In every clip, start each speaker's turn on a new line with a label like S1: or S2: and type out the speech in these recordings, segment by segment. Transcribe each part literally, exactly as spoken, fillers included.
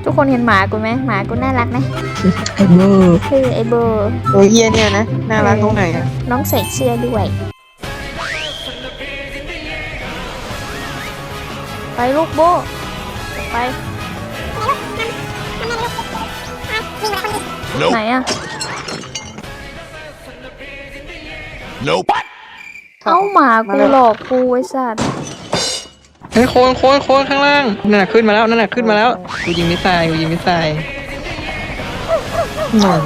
S1: ทุกคนเห็นหมากูไหมหมากูน่ารักไหม
S2: ไอเบอร์
S1: คือไอเบอร์
S2: ตัวเฮียเนี่ยนะน่ารักตรงไหนอะ
S1: น้องใส่เสื้อด้วยไปลูกโบไปไหนอะ
S3: Nope.
S1: เอ้าหมากูหลอกกูไอ้สัตว์
S2: เฮ้ยโคนโคนโคนข้างล่างนั่นน่ะขึ้นมาแล้วนั่นน่ะขึ้นมาแล้วกูยิงมิสไซล์กูยิงมิสไซล์หนอ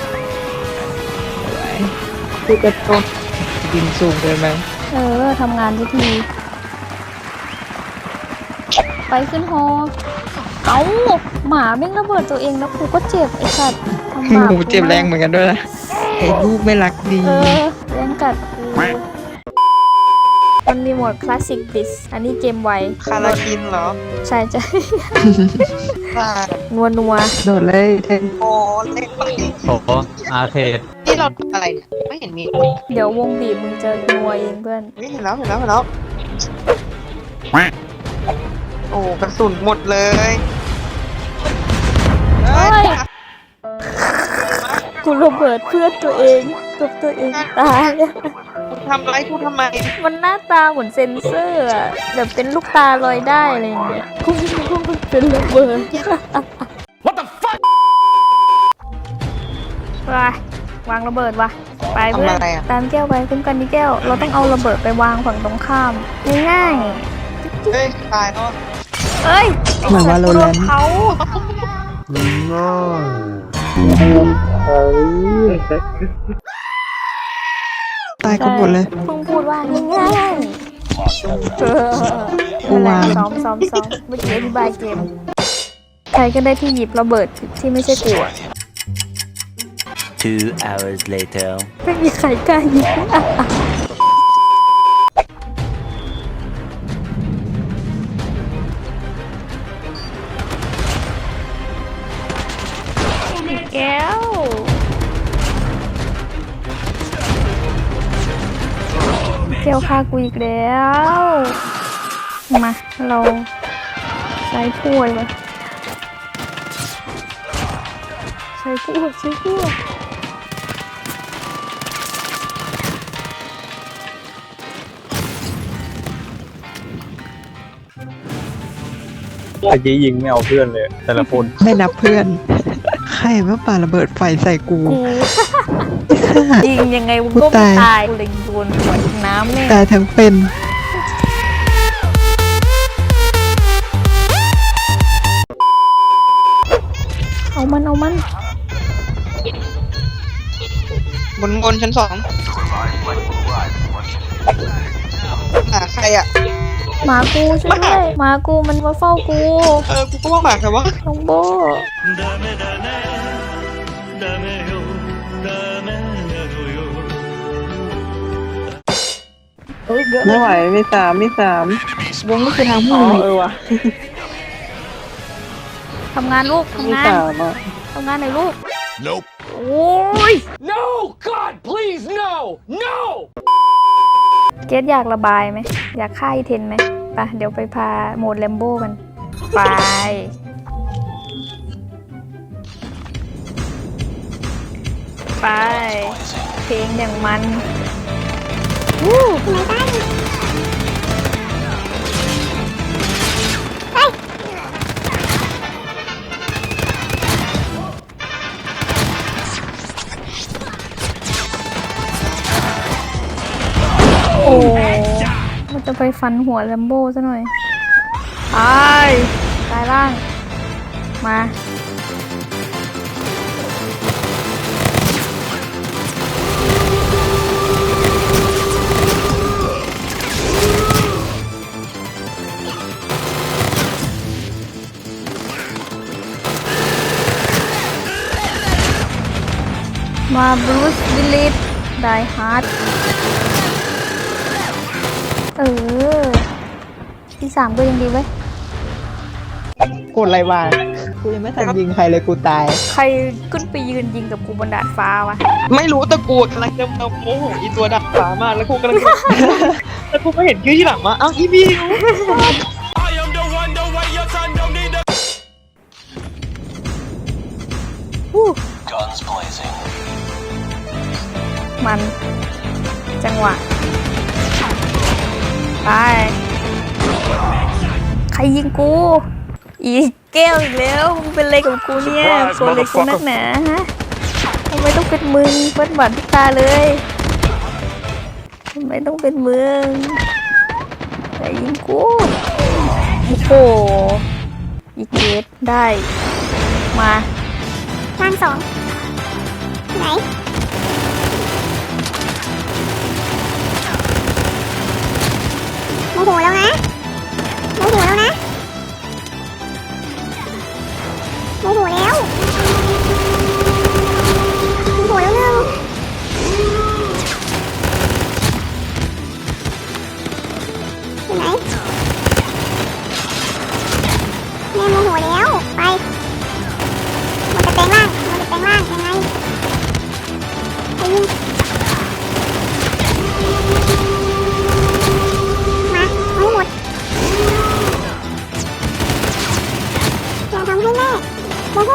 S2: กูจะโดนยิงสูงเกินไป
S1: เออทำงานทุกทีไปขึ้นฮอเอ้าหมาแม่งระเบิดตัวเองแล้วกูก็เจ็บไอ้สัตว์ทำหมา
S2: กูเจ็บแรงเหมือนกันด้วยนะไอ้ลูกไม่รักดี
S1: เออแรงกัดกูมันมีโหมดคลาสสิกดิสอันนี้เกมไว
S2: คาราคินเหรอ
S1: ใช่ใช่
S2: บ้า
S1: นัวนัว
S2: โดดเลยเทนโอเล็กไป
S4: โอ้อาร์เคด
S2: ที่เราทำอะไรเนี่ยไม่เห็นมี
S1: เดี๋ยววงบีบมึงเจอนัวเองเพื่อน
S2: ไม่เห็นแล้วเห็นแล้วเห็นแล้วโอ้กระสุนหมดเลยเฮ้ย
S1: กูระเบิดเพื่อนตัวเองกับตัวเองตาย
S2: กูทำอะไรกูทำไม
S1: มันหน้าตาเหมือนเซนเซอร์อะแบบเป็นลูกตาลอยได้อะไรอย่างเงี้ยกูไม่รู้ว่ามันเป็นระเบิด
S3: What the fuck?
S1: ไปวางระเบิดวะไปเพื่อน
S2: ทำอะไรอะ
S1: ตามแก้วไปคุ้มกันที่แก้ว เราต้องเอาระเบิดไปวางฝั่งตรงข้ามง่าย
S2: เฮ้ยตายแล้ว
S1: ๆเอ้ย
S2: เหมือนว่าโรแลนด์
S1: เขา
S2: ตายกันหมดเลย
S1: เพิ่งพูดว่าง่ายๆเออ
S2: กูวาง
S1: ซ้อมซ้อมซ้อมเมื่อกี้อธิบายเกมใครก็ได้ที่หยิบระเบิดที่ไม่ใช่กูอะ
S5: Two hours later.
S1: ไม่มีใครกล้าหยิบแก้วแก้วฆ่ากูอีกแล้วมาเราใช้ถ้วยมาใช้ถ้วยใช้ถ้วย
S4: เมื่อกี้ยิงไม่เอาเพื่อนเลย แต่ละคน
S2: ไม่นับเพื่อน ใครมาปาระเบิดไฟใส่กู
S1: กูยิงยังไงมึงก็ไม่ตายกูเลยโดนหัวน้ำเนี่ย
S2: ตายทั้งเป็น
S1: เอามันเอามัน
S2: บนบนชั้นสองหาใครอ่ะ
S1: หมากูช่วยด้วยหมากูมันมาเฝ้ากู
S2: เออ กูก็ว่าหมาใครวะ
S1: น้องโบ
S2: ไม่ไหวไม่สามไม่สามวงก็คือทางผู้เออวะ
S1: ทำงานลูก
S2: ไม่
S1: ทำงาน
S2: สามอ่ะ
S1: ทำงานหน่อยลูก
S3: Nope.
S1: โอ้ย
S3: No! God, please, no! No!
S1: เกดอยากระบายไหมอยากฆ่าอีเทนไหมไปเดี๋ยวไปพาโหมดแลมโบ้กันไปไปเพลงอย่างมันวู้โอ้มันจะไปฟันหัวแลมโบ้ซะหน่อยตายตายล่าง มา มาบรูซวิลลิสไดฮาร์ดเออที่สามก็ยังดีเว้ย
S2: กดอะไรวะกูยังไม่ทันยิงใครเลยกูตาย
S1: ใครขึ้นไปยืนยิงกับกูบนดาดฟ้าวะ
S2: ไม่รู้แต่กูกำลังจะมาโมโหอีตัวดักฟ้ามากแล้วกูกำลังจะ แล้วกูก็เห็นชื่อที่หลังมาอ้าวอีบิว
S3: I am the one, the way your son don't need the
S1: มัน จังหวะไปใครยิงกู อีกแก้วอีกแล้วมึงเป็นอะไรกับกูเนี่ยโกรธเลยกูนักหนาฮะทำไมต้องเป็นมึงเฟิร์สบัตรทุกตาเลยทำไมต้องเป็นมึงใครยิงกูโอ้โหอีกเกตได้มาล่างสองไหนโมโหแล้วนะโมโหแล้วนะโมโหแล้วโมโหแล้วหนึ่งเห็นไหมแม่โมโหแล้วไปมันจะแปลงร่างมันจะแปลงร่างยังไงไปยิงมาเอาให้หมดอย่าทำให้แม่โมโห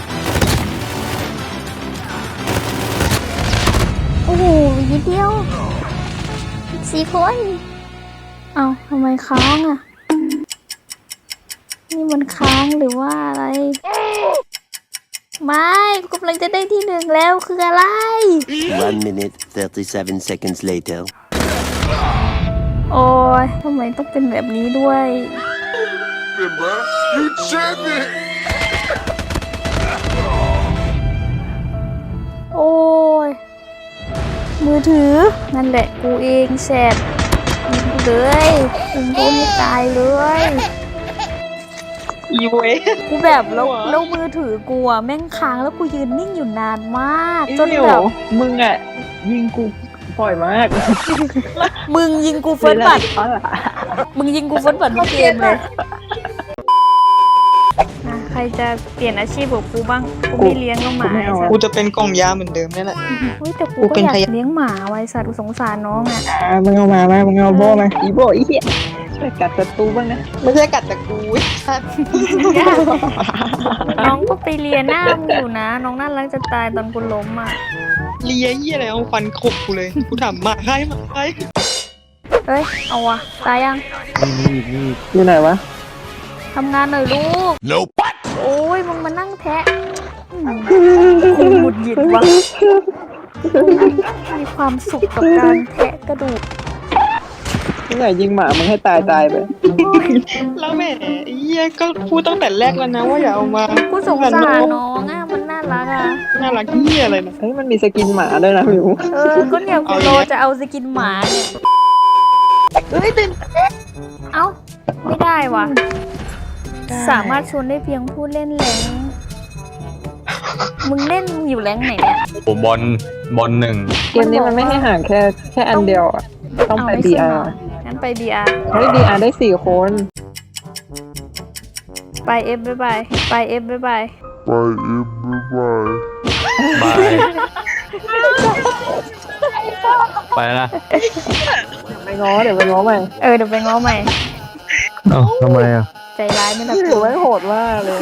S1: โอ้โหนิดเดียวสี่คนเอาทำไมค้างอ่ะนี่มันค้างหรือว่าอะไรไม่กูกำลังจะได้ที่หนึ่งแล้วคืออะไร
S5: One minute, thirty-seven seconds later.
S1: โอ้ยทำไมต้องเป็นแบบนี้ด้วย
S3: You champion!
S1: โอ้ยมือถือนั่นแหละกูเองแสบยิงกูเลยยิงกูให้ตายเลย
S2: อีเว
S1: กูแบบแล้วแล้วมือถือกูอะแม่งค้างแล้วกูยืนนิ่งอยู่นานมากจนแบบ
S2: มึงอ่ะ ยิงกูปล่อยมาก
S1: มึงยิงกูเฟิร์สบัตร
S2: เพราะอะไร
S1: มึงยิงกูเฟิร์สบัตรทุกเกมเลยอ่ะใครจะเปลี่ยนอาชีพกับกูบ้างกูไม่เลี้ยงน้องหมาไอ้สัต
S2: กู
S1: ว์
S2: จะเป็นกล่องยาเหมือนเดิมนี่แหละ
S1: เฮ้ยแต่กู
S2: กู
S1: ก็
S2: เป็น
S1: อยาก
S2: พยา
S1: เลี้ยงหมาไว้สัตว์กูสงสารน้องอ่ะ
S2: อ่ามึงเอามาไหมมึงเอาโบมาอีโบอีเหี้ยช่วยกัดศัตรูบ้างนะ ไม่ใช่กัดแต่กูชัด
S1: น้องก็ไปเลียหน้ามึงอยู่นะ น้องน่ารักจะตายตอนกูล้มอ่ะ
S2: เลียเหี้ยอะไรเอาฟันขบกูเลย กูถามมาใครมาใคร
S1: เฮ้ยเอาวะตายยัง
S2: อยู่ไหนวะ
S1: ทำงานหน่อยลูก
S3: Nope.
S1: โอ้ยมึงมานั่งแทะอืมกูหงุดหงิดวะมีความสุขกับการแทะกระดูก
S2: มึงไหนยิงหมามึงให้ตายตายไป แล้วแม่เหี้ยก็พูดตั้งแต่แรกแล้วนะว่าอย่าเอามา
S1: กูสงสารน้องอ่ะมันน่ารักอ่ะ
S2: น่ารักเหี้ยอะไรนะเฮ้ยมันมีสกินหมาด้วยนะมิว
S1: เออก็เนี่ยคุณโรจะเอาสกินหมาเนี่ย
S2: เฮ้ยตื่น
S1: เอ้าไม่ได้วะสามารถชวนได้เพียงผู้เล่นแรงมึงเล่นอยู่แรงไหนเนี่ย
S4: โอ้บอลบอลหนึ่ง
S2: เกมนี้มันไม่ให้ห่างแค่แค่อันเดียวอ่ะ ต้องไป
S1: เาม่
S2: บี
S1: ขึ้น
S2: อา
S1: เหร
S2: ร์
S1: งั้นไป บี อาร์
S2: เฮ้ยบีอาร์ได้สี่คน
S1: ไป F บ๊ายบายไป F บ๊ายบาย
S4: บายไปละ
S2: ไปง้อเดี๋ยวไปง้อใหม่
S1: เออเดี๋ยวไปง้อใหม่
S4: เอ้าทำไมอ่ะ
S1: ใจร้ายไม่รับ
S2: ถือว่าโหดมากเลย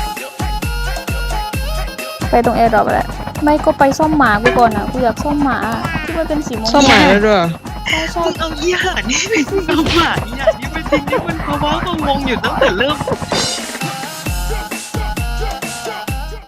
S1: ไปตรงแอร์ดรอปแหละไม่ก็ไปซ่อมหมากูก่อนอ่ะกูอยากซ่อมหมาที่มันเป็นสีม่วง
S2: ซ่อมหมาได้ด้วย
S1: ใช่ใช่
S2: เอายี่ห้อนี่เอาหมาเนี่ยนี่ไม่จริงนี่มันเพราะว่าเขาวงอยู่ตั้งแต่เริ่ม